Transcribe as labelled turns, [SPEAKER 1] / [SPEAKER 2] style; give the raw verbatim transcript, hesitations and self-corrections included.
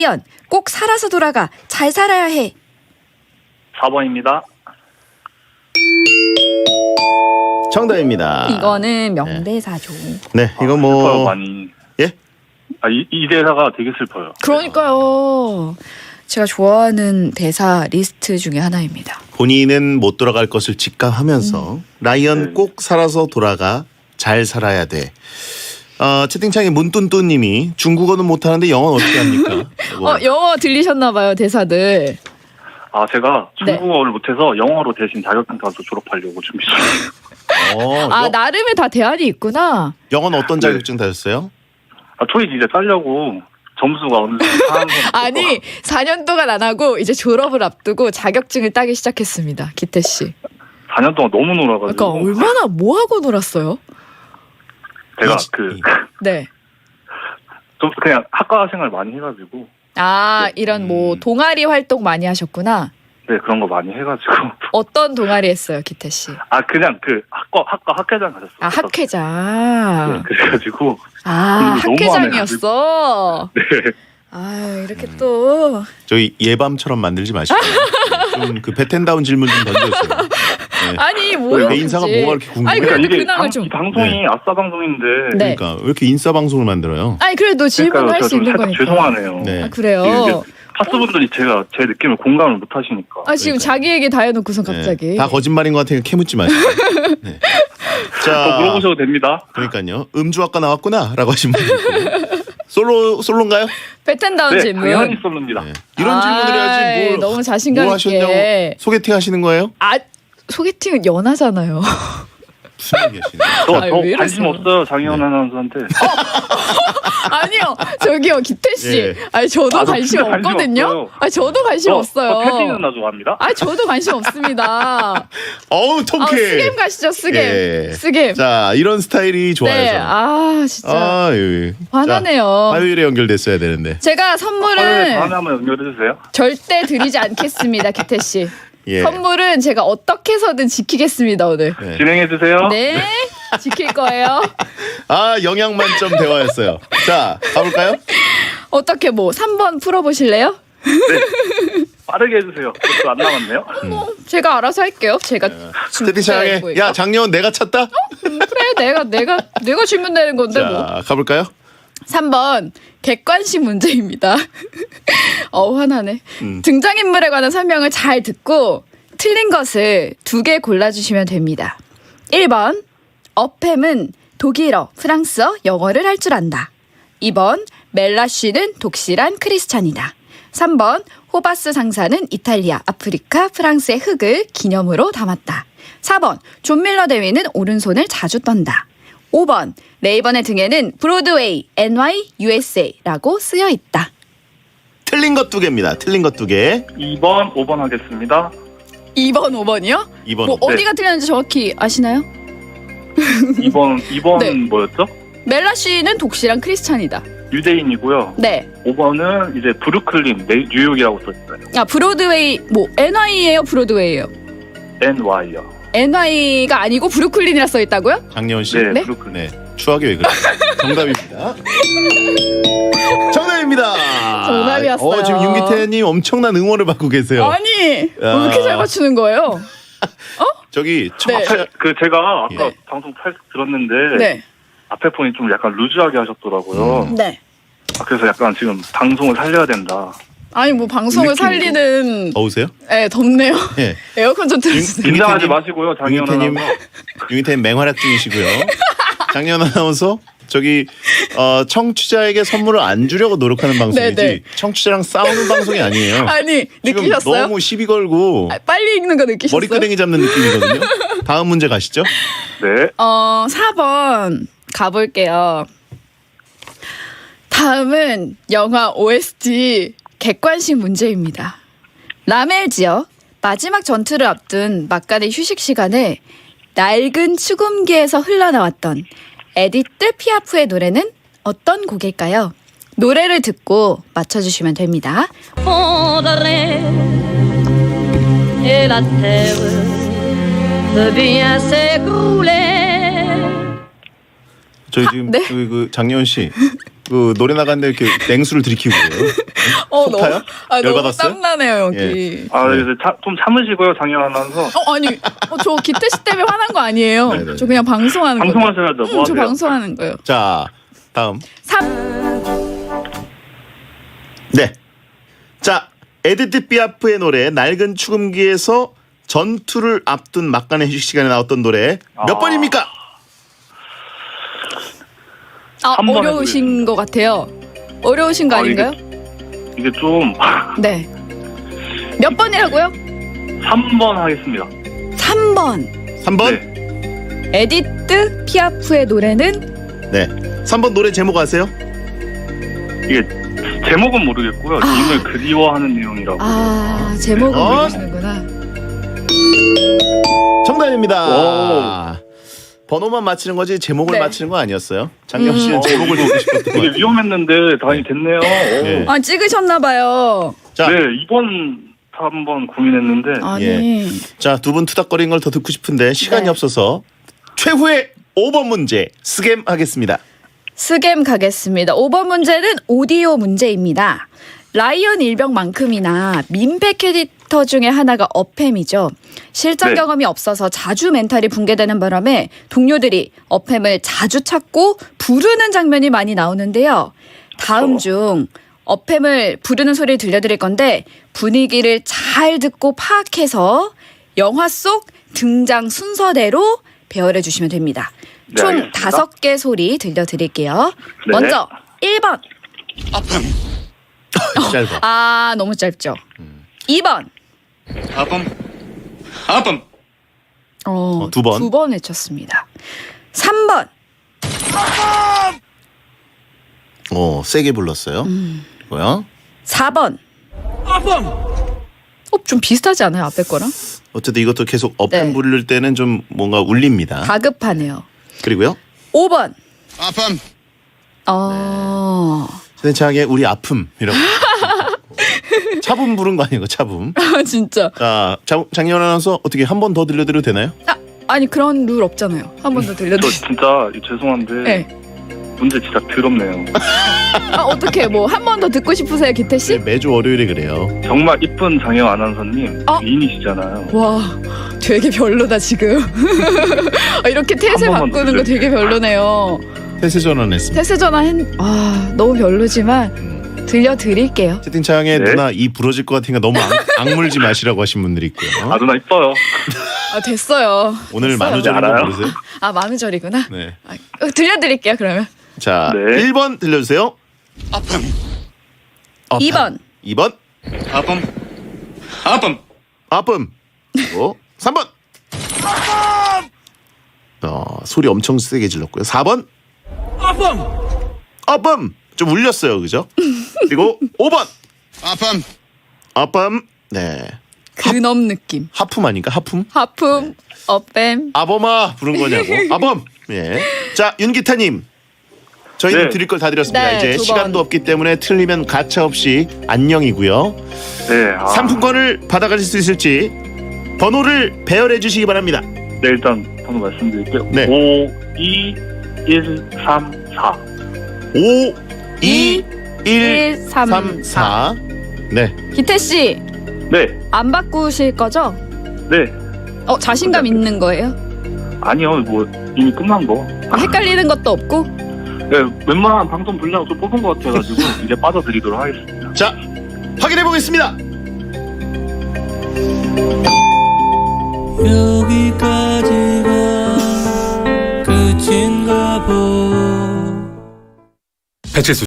[SPEAKER 1] 라이언 꼭 살아서 돌아가. 잘 살아야 해.
[SPEAKER 2] 사 번입니다.
[SPEAKER 3] 정답입니다.
[SPEAKER 1] 이거는 명대사죠.
[SPEAKER 3] 네, 이거
[SPEAKER 2] 아, 슬퍼요,
[SPEAKER 3] 뭐
[SPEAKER 2] 많이.
[SPEAKER 3] 예?
[SPEAKER 2] 아, 이, 이 대사가 되게 슬퍼요.
[SPEAKER 1] 그러니까요. 제가 좋아하는 대사 리스트 중에 하나입니다.
[SPEAKER 3] 본인은 못 돌아갈 것을 직감하면서
[SPEAKER 1] 음.
[SPEAKER 3] 라이언
[SPEAKER 2] 네.
[SPEAKER 3] 꼭 살아서 돌아가. 잘 살아야 돼. 어, 채팅창에 문뚠뚠님이 중국어는 못하는데 영어는 어떻게 합니까? 뭐,
[SPEAKER 1] 어, 영어 들리셨나 봐요, 대사들.
[SPEAKER 2] 아, 제가
[SPEAKER 1] 네.
[SPEAKER 2] 중국어를 못해서 영어로 대신 자격증 따서 졸업하려고 준비 중이에요.
[SPEAKER 3] 어,
[SPEAKER 1] 아,
[SPEAKER 3] 영,
[SPEAKER 1] 나름의 다 대안이 있구나.
[SPEAKER 3] 영어는 어떤
[SPEAKER 2] 네.
[SPEAKER 3] 자격증 다셨어요?
[SPEAKER 2] 아, 토익 이제 따려고 점수가 어느 정도 상한 건
[SPEAKER 1] 아니, 사 년 동안 안 하고 이제 졸업을 앞두고 자격증을 따기 시작했습니다. 기태 씨.
[SPEAKER 2] 사 년 동안 너무
[SPEAKER 1] 그러니까
[SPEAKER 2] 놀아가지고
[SPEAKER 1] 얼마나 뭐 하고 놀았어요?
[SPEAKER 2] 제가
[SPEAKER 3] 이-
[SPEAKER 2] 그
[SPEAKER 3] 이-
[SPEAKER 1] 네.
[SPEAKER 2] 좀 그냥 학과 생활 많이 해가지고
[SPEAKER 1] 아,
[SPEAKER 2] 네.
[SPEAKER 1] 이런 뭐
[SPEAKER 3] 음.
[SPEAKER 1] 동아리 활동 많이 하셨구나.
[SPEAKER 2] 네 그런 거 많이 해가지고
[SPEAKER 1] 어떤 동아리 했어요, 기태 씨?
[SPEAKER 2] 아 그냥 그 학과 학과 학회장 가셨어요.
[SPEAKER 1] 아, 학회장.
[SPEAKER 2] 네, 그래가지고
[SPEAKER 1] 아,
[SPEAKER 2] 너무 안
[SPEAKER 1] 학회장이었어.
[SPEAKER 2] 네
[SPEAKER 1] 아, 이렇게 또
[SPEAKER 3] 저희 예밤처럼 만들지 마시고 좀 그 베텐다운 질문 좀 던져주세요. 네.
[SPEAKER 1] 아니, 뭐였지?
[SPEAKER 3] 내 인사가 뭐가 이렇게 궁금해?
[SPEAKER 1] 아니, 그래도
[SPEAKER 2] 그러니까 이게
[SPEAKER 1] 근황을
[SPEAKER 2] 방,
[SPEAKER 1] 좀.
[SPEAKER 2] 이 방송이
[SPEAKER 3] 네.
[SPEAKER 2] 아싸 방송인데
[SPEAKER 1] 네.
[SPEAKER 3] 그러니까 왜 이렇게 인싸 방송을 만들어요?
[SPEAKER 1] 아니, 그래도 질문할
[SPEAKER 2] 그러니까요.
[SPEAKER 1] 수
[SPEAKER 2] 제가 좀
[SPEAKER 1] 있는
[SPEAKER 2] 살짝
[SPEAKER 1] 거니까.
[SPEAKER 2] 죄송하네요.
[SPEAKER 3] 네.
[SPEAKER 1] 아, 그래요?
[SPEAKER 2] 이게 파스분들이 제가 제 느낌을 공감을 못 하시니까.
[SPEAKER 1] 아, 지금
[SPEAKER 3] 그러니까요.
[SPEAKER 1] 자기 얘기 다 해놓고선 갑자기.
[SPEAKER 3] 네. 다 거짓말인 것 같으니까 캐묻지 마시고. 네.
[SPEAKER 2] 더
[SPEAKER 3] 자,
[SPEAKER 2] 물어보셔도 됩니다.
[SPEAKER 3] 그러니까요. 음주학과 나왔구나라고 하신 분 있고. 솔로 솔로인가요?
[SPEAKER 1] 베텐다운
[SPEAKER 2] 네,
[SPEAKER 1] 질문.
[SPEAKER 2] 당연히 쏠릅니다.
[SPEAKER 3] 네. 이런
[SPEAKER 1] 아이,
[SPEAKER 3] 질문을 해야지 뭘,
[SPEAKER 1] 너무 자신감
[SPEAKER 3] 뭘
[SPEAKER 1] 있게.
[SPEAKER 3] 하셨냐고 소개팅 하시는 거예요?
[SPEAKER 1] 아, 소개팅은 연하잖아요.
[SPEAKER 3] 무슨 얘기하시는 거예요?
[SPEAKER 2] 저,
[SPEAKER 1] 아유,
[SPEAKER 2] 저
[SPEAKER 1] 왜
[SPEAKER 2] 관심
[SPEAKER 1] 이러세요?
[SPEAKER 2] 없어요, 장희원
[SPEAKER 3] 네.
[SPEAKER 2] 아나운서한테.
[SPEAKER 1] 아니요, 저기요, 기태 씨.
[SPEAKER 3] 예.
[SPEAKER 1] 아니, 저도
[SPEAKER 2] 아, 저
[SPEAKER 1] 관심
[SPEAKER 2] 진짜 관심
[SPEAKER 1] 없거든요.
[SPEAKER 2] 없어요.
[SPEAKER 1] 아니, 저도 관심
[SPEAKER 2] 저,
[SPEAKER 1] 없어요.
[SPEAKER 2] 저 패티 누나 좋아합니다.
[SPEAKER 1] 아니, 저도 관심 없습니다.
[SPEAKER 3] 어우
[SPEAKER 1] 아,
[SPEAKER 3] 통쾌.
[SPEAKER 1] 스겜 가시죠, 스겜.
[SPEAKER 3] 예.
[SPEAKER 1] 스겜.
[SPEAKER 3] 자 이런 스타일이 좋아요.
[SPEAKER 1] 네,
[SPEAKER 3] 저는.
[SPEAKER 1] 아, 진짜.
[SPEAKER 3] 아유.
[SPEAKER 1] 화나네요.
[SPEAKER 3] 자, 화요일에 연결됐어야 되는데.
[SPEAKER 1] 제가
[SPEAKER 2] 화요일에
[SPEAKER 1] 선물을
[SPEAKER 2] 다음에 한번 연결해주세요.
[SPEAKER 1] 절대 드리지 않겠습니다, 기태 씨.
[SPEAKER 3] 예.
[SPEAKER 1] 선물은 제가 어떻게 해서든 지키겠습니다, 오늘.
[SPEAKER 3] 네.
[SPEAKER 2] 진행해주세요.
[SPEAKER 1] 네, 지킬 거예요.
[SPEAKER 3] 아 영양 만점 대화였어요. 자 가볼까요?
[SPEAKER 1] 어떻게 뭐 삼 번 풀어보실래요?
[SPEAKER 2] 빠르게 해주세요. 그것도 안 남았네요.
[SPEAKER 1] 제가 알아서 할게요. 제가
[SPEAKER 3] 채팅창에
[SPEAKER 1] 준비하고
[SPEAKER 3] 야
[SPEAKER 1] 있고.
[SPEAKER 3] 장려원 내가 찼다.
[SPEAKER 1] 음, 그래, 내가 내가 내가 질문 내는 건데
[SPEAKER 3] 자
[SPEAKER 1] 뭐.
[SPEAKER 3] 가볼까요?
[SPEAKER 1] 삼 번 객관식 문제입니다. 어 화나네.
[SPEAKER 3] 음.
[SPEAKER 1] 등장인물에 관한 설명을 잘 듣고 틀린 것을 두 개 골라주시면 됩니다. 일 번 어팸은 독일어, 프랑스어, 영어를 할 줄 안다. 이 번 멜라 씨는 독실한 크리스찬이다. 삼 번 호바스 상사는 이탈리아, 아프리카, 프랑스의 흙을 기념으로 담았다. 사 번 존 밀러 대위는 오른손을 자주 떤다. 오 번 레이번의 등에는 브로드웨이, 엔와이, 유에스에이라고 쓰여 있다.
[SPEAKER 3] 틀린 것 두 개입니다. 틀린 것 두 개.
[SPEAKER 2] 이 번, 오 번 하겠습니다.
[SPEAKER 1] 이 번, 오 번이요?
[SPEAKER 3] 이 번.
[SPEAKER 1] 뭐 어디가 틀렸는지 정확히 아시나요?
[SPEAKER 2] 이 번, 이 번은
[SPEAKER 1] 네.
[SPEAKER 2] 뭐였죠?
[SPEAKER 1] 멜라 씨는 독실한 크리스찬이다.
[SPEAKER 2] 유대인이고요.
[SPEAKER 1] 네.
[SPEAKER 2] 오 번은 이제 브루클린, 네, 뉴욕이라고 써있어요.
[SPEAKER 1] 아, 브로드웨이, 뭐, 엔와이예요 브로드웨이예요?
[SPEAKER 2] 엔와이요.
[SPEAKER 1] 엔와이가 아니고 브루클린이라 써 있다고요?
[SPEAKER 3] 장려원 씨.
[SPEAKER 2] 네,
[SPEAKER 1] 네?
[SPEAKER 2] 브루클린.
[SPEAKER 3] 네. 추하게 왜 그래? 정답입니다. 정답입니다.
[SPEAKER 1] 정답이었어요.
[SPEAKER 3] 어, 지금 윤기태님 엄청난 응원을 받고 계세요.
[SPEAKER 1] 아니, 왜
[SPEAKER 3] 야.
[SPEAKER 1] 이렇게 잘 맞추는 거예요?
[SPEAKER 3] 저기
[SPEAKER 1] 네.
[SPEAKER 3] 청취자
[SPEAKER 2] 그 제가 아까
[SPEAKER 3] 예.
[SPEAKER 2] 방송 살짝 들었는데
[SPEAKER 1] 네.
[SPEAKER 2] 앞에 분이 좀 약간 루즈하게 하셨더라고요.
[SPEAKER 3] 음.
[SPEAKER 1] 네.
[SPEAKER 2] 아, 그래서 약간 지금 방송을 살려야 된다.
[SPEAKER 1] 아니, 뭐, 방송을
[SPEAKER 2] 느낌이고.
[SPEAKER 1] 살리는.
[SPEAKER 3] 더우세요?
[SPEAKER 1] 네, 덥네요.
[SPEAKER 3] 예.
[SPEAKER 1] 에어컨 좀 틀어주세요.
[SPEAKER 2] 긴장하지
[SPEAKER 3] 윤기태님,
[SPEAKER 2] 마시고요, 장희원
[SPEAKER 3] 윤기태님,
[SPEAKER 2] 아나운서.
[SPEAKER 3] 윤기태님 맹활약 중이시고요. 장려원 아나운서 저기 어, 청취자에게 선물을 안 주려고 노력하는 방송이지
[SPEAKER 1] 네, 네.
[SPEAKER 3] 청취자랑 싸우는 방송이 아니에요.
[SPEAKER 1] 아니,
[SPEAKER 3] 지금
[SPEAKER 1] 느끼셨어요?
[SPEAKER 3] 너무 시비 걸고
[SPEAKER 1] 아, 빨리 읽는 거 느끼셨어요?
[SPEAKER 3] 머리끄댕이 잡는 느낌이거든요. 다음 문제 가시죠.
[SPEAKER 2] 네.
[SPEAKER 1] 어, 사 번 가볼게요. 다음은 영화 오에스티 객관식 문제입니다. 라멜지어 마지막 전투를 앞둔 막간의 휴식 시간에 낡은 축음기에서 흘러나왔던 에디트 피아프의 노래는 어떤 곡일까요? 노래를 듣고 맞춰주시면 됩니다.
[SPEAKER 4] fondrait et la terre devient s'écrouler.
[SPEAKER 3] 저희 지금
[SPEAKER 1] 네?
[SPEAKER 3] 그, 그 장려원 씨 그 노래 나갔는데 이렇게 냉수를 들이키고 그래요?
[SPEAKER 1] 어,
[SPEAKER 3] 속 타요?
[SPEAKER 1] 아, 너무
[SPEAKER 3] 열받았어요?
[SPEAKER 1] 땀나네요, 여기.
[SPEAKER 2] 아,
[SPEAKER 3] 네.
[SPEAKER 2] 그래서 차, 좀 참으시고요, 장현 아나운서.
[SPEAKER 1] 어, 아니, 어, 저 기태 씨 때문에 화난 거 아니에요.
[SPEAKER 3] 네네네.
[SPEAKER 1] 저 그냥 방송하는 거예요.
[SPEAKER 2] 방송하셔야죠. 뭐
[SPEAKER 1] 응, 저
[SPEAKER 2] 하세요?
[SPEAKER 1] 방송하는 거예요.
[SPEAKER 3] 자, 다음.
[SPEAKER 1] 삼.
[SPEAKER 3] 네. 자, 에디트 피아프의 노래 낡은 축음기에서 전투를 앞둔 막간의 휴식 시간에 나왔던 노래 몇
[SPEAKER 2] 아.
[SPEAKER 3] 번입니까?
[SPEAKER 1] 아,
[SPEAKER 2] 삼 번에
[SPEAKER 1] 어려우신 것 같아요. 어려우신 거
[SPEAKER 2] 아,
[SPEAKER 1] 아닌가요?
[SPEAKER 2] 이게 좀
[SPEAKER 1] 네. 몇 번이라고요?
[SPEAKER 2] 삼 번 하겠습니다.
[SPEAKER 1] 삼 번.
[SPEAKER 3] 삼 번?
[SPEAKER 2] 네.
[SPEAKER 1] 에디트 피아프의 노래는
[SPEAKER 3] 네. 삼 번 노래 제목 아세요?
[SPEAKER 2] 이게 제목은 모르겠고요. 님을 그리워하는 내용이라고.
[SPEAKER 1] 아, 제목은
[SPEAKER 3] 어?
[SPEAKER 1] 모르시는구나.
[SPEAKER 3] 정답입니다. 번호만 맞히는 거지 제목을
[SPEAKER 1] 네.
[SPEAKER 3] 맞히는 거 아니었어요? 장경 씨는
[SPEAKER 1] 음.
[SPEAKER 3] 제목을 듣고 싶었던 거
[SPEAKER 2] 되게
[SPEAKER 3] 같아요.
[SPEAKER 2] 위험했는데 다행히 됐네요.
[SPEAKER 3] 네.
[SPEAKER 1] 아, 찍으셨나 봐요.
[SPEAKER 3] 자,
[SPEAKER 2] 네, 이번 한번 고민했는데
[SPEAKER 1] 아니.
[SPEAKER 3] 자, 두 분 투닥거리는 걸 더 듣고 싶은데 시간이
[SPEAKER 1] 네.
[SPEAKER 3] 없어서 최후의 오 번 문제 스겜 하겠습니다.
[SPEAKER 1] 스겜 가겠습니다. 오 번 문제는 오디오 문제입니다. 라이언 일병만큼이나 민폐 캐릭터 중에 하나가 어팸이죠. 실전
[SPEAKER 2] 네.
[SPEAKER 1] 경험이 없어서 자주 멘탈이 붕괴되는 바람에 동료들이 어팸을 자주 찾고 부르는 장면이 많이 나오는데요. 다음 중 어팸을 부르는 소리를 들려드릴 건데 분위기를 잘 듣고 파악해서 영화 속 등장 순서대로 배열해 주시면 됩니다.
[SPEAKER 2] 네,
[SPEAKER 1] 총
[SPEAKER 2] 알겠습니다.
[SPEAKER 1] 다섯 개 소리 들려드릴게요.
[SPEAKER 2] 네.
[SPEAKER 1] 먼저 일 번.
[SPEAKER 3] 짧아.
[SPEAKER 1] 아, 너무 짧죠. 이 번.
[SPEAKER 5] 아픔 아픔
[SPEAKER 1] 어,
[SPEAKER 3] 어, 두 번.
[SPEAKER 1] 두 번 외쳤습니다. 삼 번.
[SPEAKER 3] 어, 세게 불렀어요.
[SPEAKER 1] 음.
[SPEAKER 3] 뭐야?
[SPEAKER 1] 사 번. 어, 좀 비슷하지 않아요? 앞에 거랑?
[SPEAKER 3] 어쨌든 이것도 계속 어팸
[SPEAKER 1] 네.
[SPEAKER 3] 부를 때는 좀 뭔가 울립니다.
[SPEAKER 1] 다급하네요.
[SPEAKER 3] 그리고요.
[SPEAKER 1] 오 번.
[SPEAKER 5] 아픔
[SPEAKER 1] 어.
[SPEAKER 3] 세창의 우리 아픔이라고. 차붐 부른 거 아니에요? 차붐.
[SPEAKER 1] 아, 진짜.
[SPEAKER 3] 자, 장, 장현 아나운서 어떻게 한 번 더 들려드려도 되나요?
[SPEAKER 1] 아, 아니 그런 룰 없잖아요. 한 번 더
[SPEAKER 2] 저
[SPEAKER 1] 들려드릴게요.
[SPEAKER 2] 진짜 죄송한데
[SPEAKER 1] 네.
[SPEAKER 2] 문제 진짜 더럽네요.
[SPEAKER 1] 아, 어떻게 뭐 한 번 더 듣고 싶으세요, 기태 씨?
[SPEAKER 3] 네, 매주 월요일에 그래요.
[SPEAKER 2] 정말 이쁜 장현 아나운서님
[SPEAKER 1] 어?
[SPEAKER 2] 미인이시잖아요.
[SPEAKER 1] 와, 되게 별로다 지금. 아, 이렇게 태세
[SPEAKER 2] 한 번만
[SPEAKER 1] 바꾸는 거 되게 별로네요.
[SPEAKER 3] 태세 전환했습니다.
[SPEAKER 1] 태세 전환 했... 아, 너무 별로지만 들려드릴게요.
[SPEAKER 3] 채팅창에
[SPEAKER 2] 네.
[SPEAKER 3] 누나 이 부러질 것 같으니까 너무 악, 악물지 마시라고 하신 분들이 있고요.
[SPEAKER 2] 아 누나 이뻐요.
[SPEAKER 1] 아, 됐어요.
[SPEAKER 3] 오늘
[SPEAKER 1] 됐어요.
[SPEAKER 3] 만우절인 거
[SPEAKER 2] 알아요?
[SPEAKER 3] 모르세요?
[SPEAKER 1] 아, 만우절이구나.
[SPEAKER 3] 네.
[SPEAKER 1] 아, 어, 들려드릴게요, 그러면.
[SPEAKER 3] 자,
[SPEAKER 2] 네.
[SPEAKER 3] 일 번 들려주세요.
[SPEAKER 5] 아픔
[SPEAKER 3] 어,
[SPEAKER 1] 이 번.
[SPEAKER 3] 이 번.
[SPEAKER 5] 아픔 아픔
[SPEAKER 3] 아픔. 그리고 삼 번. 어, 소리 엄청 세게 질렀고요. 사 번.
[SPEAKER 5] 아픔
[SPEAKER 3] 아픔. 좀 울렸어요. 그죠? 그리고 오 번.
[SPEAKER 5] 아픔
[SPEAKER 3] 아픔. 네.
[SPEAKER 1] 근엄 느낌.
[SPEAKER 3] 하품 아닌가? 하품?
[SPEAKER 1] 하품, 어뺨.
[SPEAKER 3] 아범아 부른 거냐고. 아범. 예. 자, 윤기타님. 저희는
[SPEAKER 2] 네.
[SPEAKER 3] 드릴 걸 다 드렸습니다.
[SPEAKER 1] 네,
[SPEAKER 3] 이제
[SPEAKER 1] 두
[SPEAKER 3] 시간도
[SPEAKER 1] 번.
[SPEAKER 3] 없기 때문에 틀리면 가차 없이 안녕이고요.
[SPEAKER 2] 네. 아,
[SPEAKER 3] 상품권을 받아가실 수 있을지 번호를 배열해 주시기 바랍니다.
[SPEAKER 2] 네 일단 번호 말씀드릴게요.
[SPEAKER 3] 네.
[SPEAKER 2] 오, 이, 일, 삼, 사.
[SPEAKER 3] 오, 이, 일,
[SPEAKER 1] 일, 삼,
[SPEAKER 3] 삼, 사. 네.
[SPEAKER 1] 기태 씨,
[SPEAKER 2] 네.
[SPEAKER 1] 안 바꾸실 거죠?
[SPEAKER 2] 네.
[SPEAKER 1] 어, 자신감 있는 거예요?
[SPEAKER 2] 아니요. 뭐 이미 끝난 거.
[SPEAKER 1] 아, 헷갈리는 것도 없고?
[SPEAKER 2] 네. 웬만한 방송 분량 좀 뽑은 것 같아가지고 이제 빠져드리도록 하겠습니다.
[SPEAKER 3] 자, 확인해 보겠습니다.
[SPEAKER 6] 여기까지가 끝인가 보.
[SPEAKER 5] 배칠수